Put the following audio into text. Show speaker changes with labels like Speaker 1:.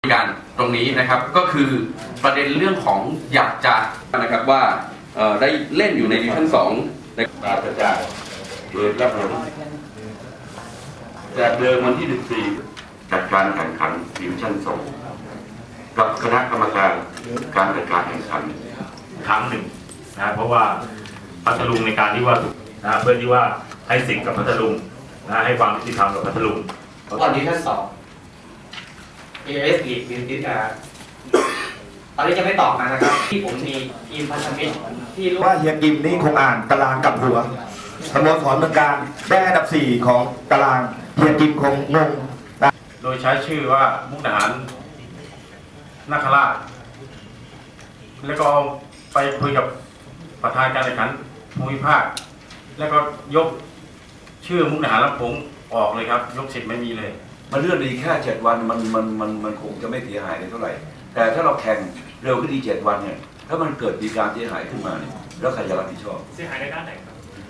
Speaker 1: การตรงนี้นะครับก็คือประเด็นเรื่องของอยากจะนะครับว่าได้เล่นอยู่ในดิวิชั่น2ใน
Speaker 2: การกระจายโดยรับผลจากเดิมวันที่ 14 จัดการแข่งขันดิวิชั่น2กับคณะกรรมการการจัดการแข่งขัน
Speaker 3: ครั้งหนึ่งนะเพราะว่าพัทลุงในการที่ว่าเพื่อที่ว่าให้สิทธิ์กับพัทลุงให้ความยุติธรรมกับพัทลุง
Speaker 4: ก่อนดิวิชั่น2 AS ลีกมีตอนนี้จะไม่ตอบมานะครับที่ผมมีทีมพันธมิตรที่รู้
Speaker 5: ว่าเฮียกิมนี่คงอ่านตารางกับหัวสโมสรเมืองการได้อันดับ4ของตารางเฮียกิมคงงง
Speaker 3: โดยใช้ชื่อว่ามุกดาหารนาคราชแล้วก็ไปคุยกับประธานการแข่งขันภูมิภาคแล้วก็ยกชื่อมุกดาหารลำพงออกเลยครับยกสิทธิ์ไม่มีเลย
Speaker 6: มันเลื่อนอีกแค่7 วันมันคงจะไม่เสียหายเลยเท่าไหร่แต่ถ้าเราแข่งเร็วขึ้นอีก7 วันเนี่ยถ้ามันเกิดมีการเสียหายขึ้นมาเนี่ยแล้วใครจะรับผิดชอบ
Speaker 4: เสียหายในด้านไหนครับ